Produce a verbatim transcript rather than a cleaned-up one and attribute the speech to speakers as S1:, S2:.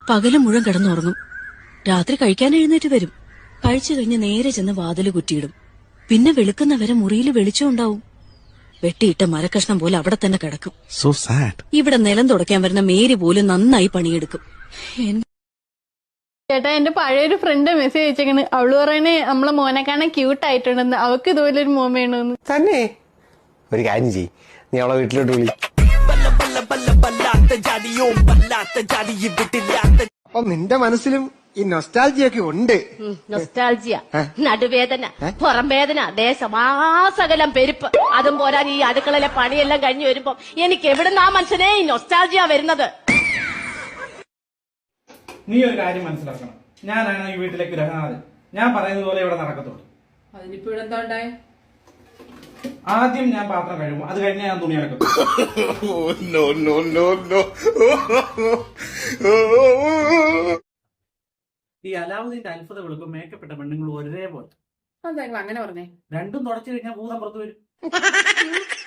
S1: പകല് മുഴുവൻ കിടന്നുറങ്ങും. രാത്രി കഴിക്കാൻ എഴുന്നേറ്റ് വരും. കഴിച്ചു കഴിഞ്ഞ് നേരെ ചെന്ന് വാതില് കുറ്റിയിടും. പിന്നെ വെളുക്കുന്നവരെ മുറിയിൽ വെളിച്ചം ഉണ്ടാവും. വെട്ടിയിട്ട മരക്കഷ്ണം പോലെ അവിടെ തന്നെ കിടക്കും.
S2: So sad.
S1: ഇവിടെ നിലം തുടയ്ക്കാൻ വരുന്ന മേരി പോലും നന്നായി പണിയെടുക്കും.
S3: ചേട്ടാ, എന്റെ പഴയൊരു ഫ്രണ്ട് മെസ്സേജ് അയച്ചേക്കണ്. അവള് പറയണേ നമ്മളെ മോനെ കാണാൻ ക്യൂട്ട് ആയിട്ടുണ്ടെന്ന്. അവക്ക് ഇതുപോലെ ഒരു മോൻ വേണമെന്ന്.
S4: തന്നെ ഒരു കാര്യം ചെയ്യ്, നീ അവളെ വീട്ടിലോട്ട് വിളി.
S5: അപ്പൊ നിന്റെ മനസ്സിലും ഈ നൊസ്റ്റാൾജിയൊക്കെ ഉണ്ട്.
S6: നൊസ്റ്റാൾജിയ, നടുവേദന, പുറം വേദന, ദേശമാസകലം പെരുപ്പ്. അതും പോരാ ഈ അടുക്കളയിലെ പണിയെല്ലാം കഴിഞ്ഞു വരുമ്പോ എനിക്ക് എവിടുന്ന് ആ മനുഷ്യനെ ഈ നൊസ്റ്റാൾജിയ വരുന്നത്.
S7: നീ ഒരു കാര്യം മനസ്സിലാക്കണം, ഞാനാണ് ഈ വീട്ടിലെ ഗ്രഹനാഥൻ. ഞാൻ പറയുന്നത് പോലെ ഇവിടെ നടക്കത്തുള്ളൂ.
S8: അതിനിപ്പോ ഇവിടെ എന്താ ഉണ്ടായേ?
S7: ആദ്യം ഞാൻ പാത്രം കഴുകും, അത് കഴിഞ്ഞാൽ ഞാൻ തുണി അലക്കും. ഈ അലാവുദ്ദീന്റെ അത്ഭുത വെളുക്കും മേക്കപ്പെട്ട പെണ്ണുങ്ങൾ ഒരേപോലെ.
S8: അതെങ്ങനെ അങ്ങനെ പറഞ്ഞേ?
S7: രണ്ടും തുടച്ചു കഴിഞ്ഞാൽ ഭൂതം പുറത്തു വരും.